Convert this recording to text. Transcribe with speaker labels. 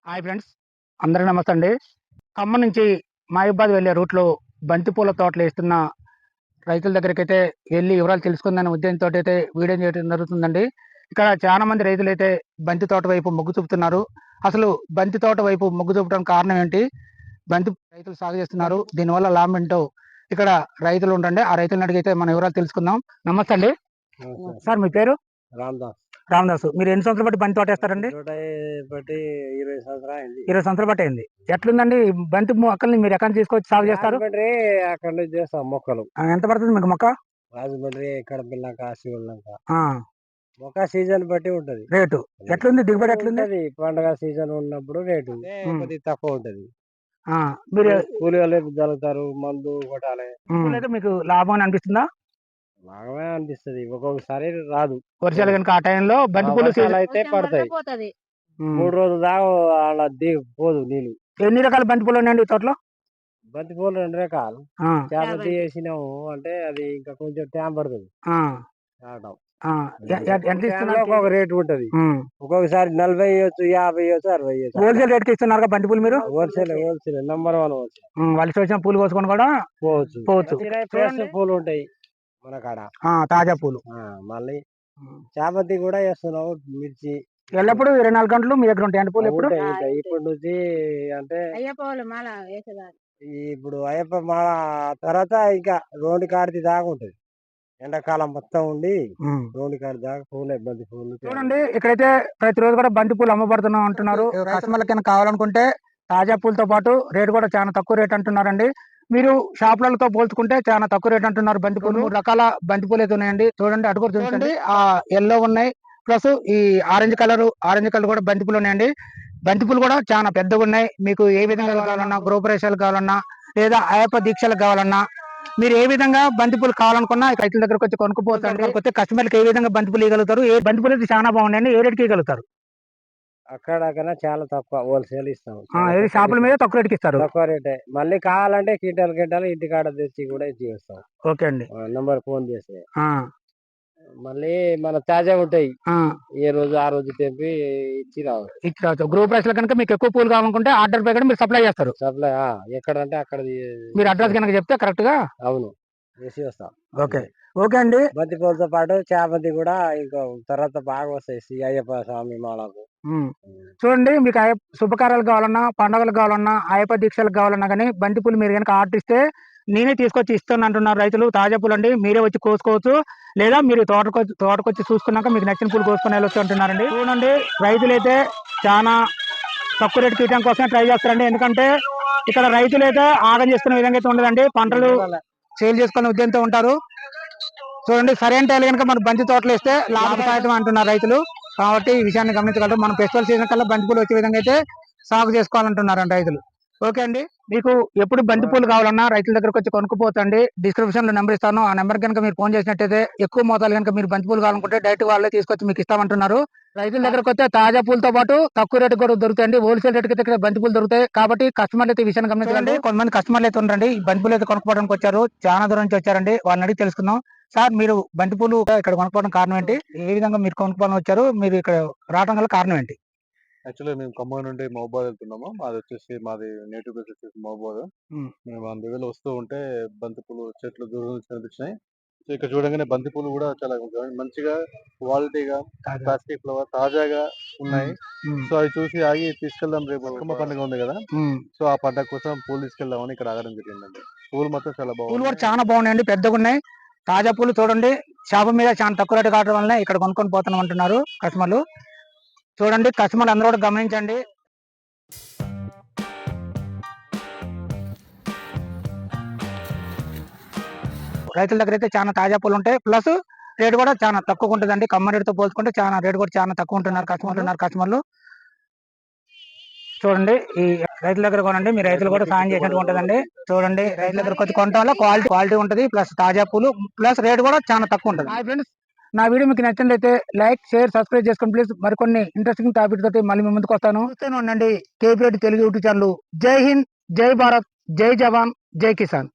Speaker 1: Hi friends, అందరికీ నమస్తే అండి. ఖమ్మం నుంచి మహబూబాద్ వెళ్ళే రూట్లో బంతిపూల తోటలు వేస్తున్న రైతుల దగ్గరికైతే వెళ్ళి వివరాలు తెలుసుకుందనే ఉద్దేశంతో అయితే వీడియో చేయడం జరుగుతుందండి. ఇక్కడ చాలా మంది రైతులైతే బంతి తోట వైపు మొగ్గు చూపుతున్నారు. అసలు బంతి తోట వైపు మొగ్గు చూపడానికి కారణం ఏంటి, బంతి రైతులు సాగు చేస్తున్నారు, దీనివల్ల లాభం ఏంటో ఇక్కడ రైతులు ఉండండి. ఆ రైతులను అడిగితే మన వివరాలు తెలుసుకుందాం. నమస్తే అండి. సార్ మీ పేరు?
Speaker 2: రామదాస్.
Speaker 1: రామదాసు. మీరు ఎన్ని సంవత్సరాలు బట్టి బంతి తోట వేస్తారండి?
Speaker 2: బట్టి 20 సంవత్సరాలు అయింది.
Speaker 1: 20 సంవత్సరాలు బట్టి అయింది. ఎట్లుందండి ఈ బంతి మొక్కల్ని మీరు ఎక్కడ తీసుకొచ్చి సాగు చేస్తారు?
Speaker 2: రాజమండ్రి అక్కడ నుంచి చేస్తాం మొక్కలు.
Speaker 1: ఎంత పడుతుంది మీకు మొక్క?
Speaker 2: రాజమండ్రి ఇక్కడ పిల్లంక శివుల్లంక
Speaker 1: ఆ,
Speaker 2: మొక్క సీజన్ బట్టి ఉంటది
Speaker 1: రేటు ఎట్లుంది, దిగుబడి ఎట్లుంది?
Speaker 2: ఉంటది. పండగ సీజన్ ఉన్నప్పుడు రేటు కొద్దిగా తక్కువ ఉంటది.
Speaker 1: ఆ, మీరు
Speaker 2: కూలీలు జరుగుతారు, మందు కొట్టాలి.
Speaker 1: అయితే మీకు లాభం అని అనిపిస్తుందా?
Speaker 2: బాగానే అనిపిస్తది. ఒక్కొక్కసారి రాదు.
Speaker 1: వర్షాలు కనుక ఆ టైంలో బంతిపూలు
Speaker 2: వర్షాలు అయితే పడతాయి. 3 రోజుల దాకా అలా పోదు నీళ్ళు.
Speaker 1: ఎన్ని రకాల బంతిపూలు ఉన్నాయండి ఈ తోటలో?
Speaker 2: బంతి పూలు 2 రకాలు. చామంతి వేసినాము అంటే అది ఇంకా కొంచెం టైం పడుతుంది రావడం.
Speaker 1: ఎంత ఇస్తున్నారు?
Speaker 2: ఒక్కొక్క రేటు ఉంటది. ఒక్కొక్కసారి 40 ఇవ్వచ్చు, 50 ఇవ్వచ్చు, 60 ఇవ్వచ్చు.
Speaker 1: హోల్సేల్ రేట్ కి ఇస్తున్నారు బంతిపూలు మీరు?
Speaker 2: Wholesale number 1 wholesale.
Speaker 1: వాళ్ళు వచ్చిన పూలు కోసుకొని కూడా పోవచ్చు.
Speaker 2: ఫ్రెష్ పూలు ఉంటాయి మన కాడ,
Speaker 1: తాజా పూలు.
Speaker 2: మళ్ళీ చామంతి కూడా వేస్తున్నావు, మిర్చి
Speaker 1: ఎల్లప్పుడు 24 గంటలు మీ దగ్గర ఉంటాయి పూలు. ఎప్పుడు
Speaker 2: ఇప్పటి నుంచి అంటే ఇప్పుడు అయ్యప్ప మాల తర్వాత ఇంకా రోడ్డు కాడిది దాకా ఉంటది. ఎండాకాలం మొత్తం ఉండి రోడ్డు కాడి దాకా పూలే బంతి పూలు.
Speaker 1: చూడండి, ఇక్కడైతే ప్రతిరోజు కూడా బంతి పూలు అమ్మబడుతున్నాం అంటున్నారు. కస్టమర్లకి కావాలనుకుంటే తాజా పూలతో పాటు రేటు కూడా చాలా తక్కువ రేట్ అంటున్నారండి. మీరు షాపులతో పోల్చుకుంటే చాలా తక్కువ రేట్ అంటున్నారు. బంతి పూలు 3 రకాల బంతి పూలు అయితే ఉన్నాయండి. చూడండి, అటు కూడా చూడండి, ఆ ఎల్లో ఉన్నాయి, ప్లస్ ఈ ఆరెంజ్ కలర్ కూడా బంతి పూలు ఉన్నాయండి. బంతి పూలు కూడా చాలా పెద్దగా ఉన్నాయి. మీకు ఏ విధంగా కావాలన్నా, గృహప్రవేశాలు కావాలన్నా, లేదా అయ్యప్ప దీక్షలకు కావాలన్నా, మీరు ఏ విధంగా బంతిపూలు కావాలనుకున్నా రైతుల దగ్గరకు వచ్చి కొనుక్కుపోతారు. కొత్త కస్టమర్కి ఏ విధంగా బంతిపూలు ఇవ్వగలుగుతారు, ఏ బంతిపూలు అయితే చాలా బాగున్నాయండి, ఏ రేట్కి ఇవ్వగలుగుతారు?
Speaker 2: అక్కడ కన్నా చాలా తక్కువ హోల్సేల్ ఇస్తాం.
Speaker 1: షాపుల మీద తక్కువ రేట్కి ఇస్తారు.
Speaker 2: తక్కువ రేటే. మళ్ళీ కావాలంటే కింటాలు ఇంటికాడ తెచ్చి కూడా ఇస్తాం.
Speaker 1: ఓకే అండి.
Speaker 2: నంబర్ ఫోన్ చేస్తే మళ్ళీ మన తాజా ఉంటాయి. ఏ రోజు ఆ రోజు తెంపి ఇచ్చి రావచ్చు.
Speaker 1: గ్రూప్ ప్రైస్ లో కనుక మీకు ఎక్కువ పూలు కావాలనుకుంటే ఆర్డర్ ప్రకారం మీరు సప్లై చేస్తారు.
Speaker 2: సప్లై ఎక్కడంటే అక్కడ
Speaker 1: మీరు అడ్రస్ కనుక చెప్తే కరెక్ట్ గా
Speaker 2: అవును వేసి వస్తాం.
Speaker 1: ఓకే అండి.
Speaker 2: బంతి పూలతో పాటు చామంతి కూడా ఇంకో తర్వాత బాగా వస్తాయి అయ్యప్ప స్వామి మాలకు.
Speaker 1: చూడండి, మీకు శుభకార్యాలు కావాలన్నా, పండుగలు కావాలన్నా, అయ్యప్ప దీక్షలకు కావాలన్నా కానీ బంతి పూలు మీరు కనుక ఆర్డర్ ఇస్తే నేనే తీసుకొచ్చి ఇస్తాను అంటున్నారు రైతులు. తాజా పూలు అండి, మీరే వచ్చి కోసుకోవచ్చు, లేదా మీరు తోటకొచ్చి చూసుకున్నాక మీకు నచ్చిన పూలు కోసుకొని వెళ్ళొచ్చు అంటున్నారండి. చూడండి, రైతులైతే చాలా తక్కువ రేటు తీయడం కోసమే ట్రై చేస్తారండి. ఎందుకంటే ఇక్కడ రైతులైతే ఆగం చేసుకునే విధంగా అయితే ఉండదండి. పంటలు సేల్ చేసుకునే ఉద్దేశంతో ఉంటారు. చూడండి, సరైన టైం కనుక మన బంతి తోటలు వేస్తే లాభసాయతం అంటున్నారు రైతులు. కాబట్టి ఈ విషయాన్ని గమనించగలరు. మనం ఫెస్టివల్ సీజన్ కల్లా బంతి పూలు వచ్చే విధంగా అయితే సాగు చేసుకోవాలంటున్నారండి రైతులు. ఓకే అండి, మీకు ఎప్పుడు బంతి పూలు కావాలన్నా రైతుల దగ్గరకు వచ్చి కొనుక్కుపోతండి. డిస్క్రిప్షన్ లో నెంబర్ ఇస్తాను. ఆ నెంబర్ కనుక మీరు ఫోన్ చేసినట్టయితే ఎక్కువ మోతాదు కనుక మీరు బంతి పూలు కావాలనుకుంటే డైరెక్ట్ వాళ్ళే తీసుకొచ్చి మీకు ఇస్తామంటున్నారు. రైతుల దగ్గరకు వస్తే తాజా పూలతో పాటు తక్కువ రేటు కూడా దొరుకుతాయండి. హోల్సేల్ రేట్ అయితే బంతి పూలు దొరుకుతాయి. కాబట్టి కస్టమర్లు అయితే ఈ విషయాన్ని గమనించండి. కొంతమంది కస్టమర్లు అయితే ఉండండి, ఈ బంతి పూలు అయితే కొనుక్కోవడానికి వచ్చారు, చాలా దూరం నుంచి వచ్చారండి. వాళ్ళని అడిగి తెలుసుకుందాం. సార్, మీరు బంతి పూలు ఇక్కడ కొనుక్కోవడం కారణం ఏంటి? ఏ విధంగా మీరు కొనుక్కోవడం వచ్చారు? మీరు ఇక్కడ రావడం గల కారణం ఏంటి?
Speaker 3: యాక్చువల్లీ మేము ఖమ్మం నుండి మహబూబాద్ వెళ్తున్నాము. మాది నేటివ్ ప్లేస్ వచ్చేసి మహబూబాద్. మేము అందువేళ వస్తూ ఉంటే బంతిపూలు చెట్లు దూరం నుంచి కనిపించినాయి. సో ఇక్కడ చూడగానే బంతిపూలు కూడా చాలా మంచిగా క్వాలిటీగా ప్లాస్టిక్ ఫ్లవర్ తాజాగా ఉన్నాయి. సో అవి చూసి ఆగి తీసుకెళ్దాం, రేపు బతుకమ్మ పండుగ ఉంది కదా, సో ఆ పండుగ కోసం పూలు తీసుకెళ్దామని ఇక్కడ ఆగడం జరిగిందండి. పూలు మొత్తం చాలా బాగుంది.
Speaker 1: పూలు కూడా చాలా బాగున్నాయండి, పెద్దగా ఉన్నాయి. తాజా పూలు చూడండి, షాపు మీద చాలా తక్కువ రేటు కావడం వల్ల ఇక్కడ కొనుక్కొని పోతున్నాం అంటున్నారు కస్టమర్లు. చూడండి, కస్టమర్లు అందరూ కూడా గమనించండి. రైతుల దగ్గర అయితే చాలా తాజా పూలు ఉంటాయి, ప్లస్ రేటు కూడా చాలా తక్కువ ఉంటుందండి. ఖమ్మం రేటుతో పోల్చుకుంటే చాలా రేటు కూడా చాలా తక్కువ ఉంటున్నారు కస్టమర్లు. చూడండి, ఈ రైతుల దగ్గర కొనండి, మీ రైతులు కూడా సాయం చేసినట్టు ఉంటుందండి. చూడండి, రైతుల దగ్గర వచ్చి కొనడం వల్ల క్వాలిటీ ఉంటుంది, ప్లస్ తాజా పూలు, ప్లస్ రేటు కూడా చాలా తక్కువ ఉంటుంది. హాయ్ ఫ్రెండ్స్, నా వీడియో మీకు నచ్చినట్లయితే లైక్, షేర్, సబ్స్క్రైబ్ చేసుకోండి ప్లీజ్. మరికొన్ని ఇంట్రెస్టింగ్ టాపిక్ తోటి మళ్ళీ మీ ముందుకు వస్తాను. ఉండండి కేపీరెడ్డి తెలుగు యూట్యూబ్ ఛానల్. జై హింద్, జై భారత్, జై జవాన్, జై కిసాన్.